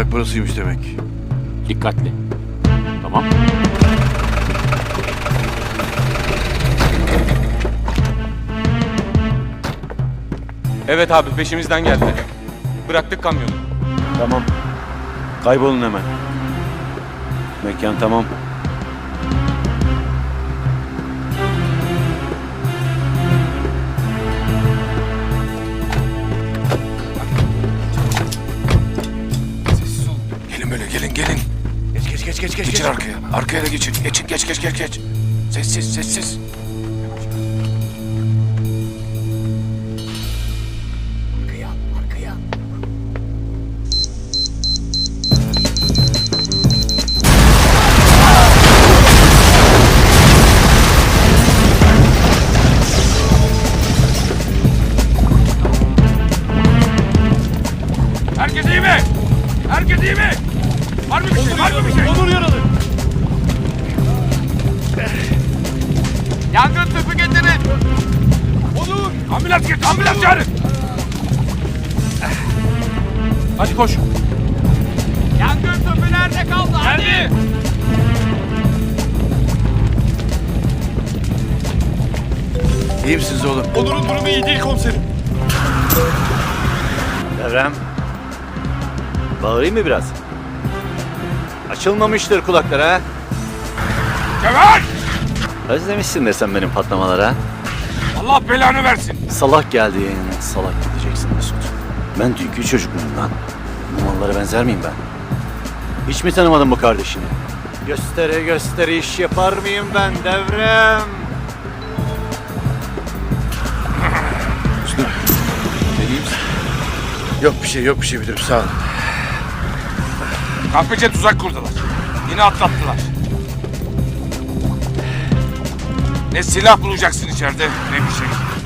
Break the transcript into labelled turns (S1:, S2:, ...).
S1: Barak burasıymış demek.
S2: Dikkatli. Tamam.
S3: Evet abi, peşimizden geldi. Bıraktık kamyonu.
S1: Tamam. Kaybolun hemen. Mekan tamam.
S4: Gelin böyle, gelin. Geç. Geçin arkaya. Arkaya da geçin. Geç. Sessiz. Arkaya.
S3: Herkes iyi mi? Herkes iyi mi? Var mı bir şey? Var mı bir şey? Onur yaralı. Yangın tüpü getirin. Onur. Ambulans getir. Ambulans çağırın. Hadi koş. Yangın tüpü nerede kaldı? Hadi.
S1: İyi misiniz oğlum?
S3: Onur'un durumu iyi değil komiserim.
S5: Devrem. Bağırayım mı biraz? Açılmamıştır kulakları ha.
S3: Cevher!
S5: Özlemişsindir sen benim patlamalara.
S3: Allah belanı versin.
S5: Salak geldin, salak gideceksin Mesut. Ben dünkü çocuk muyum lan? Bu mallara benzer miyim ben? Hiç mi tanımadın bu kardeşini? Göstere iş yapar mıyım ben Devrem?
S1: Yok bir şey müdürüm sağ olun.
S3: Kahpece tuzak kurdular. Yine atlattılar. Ne silah bulacaksın içeride ne bir şey.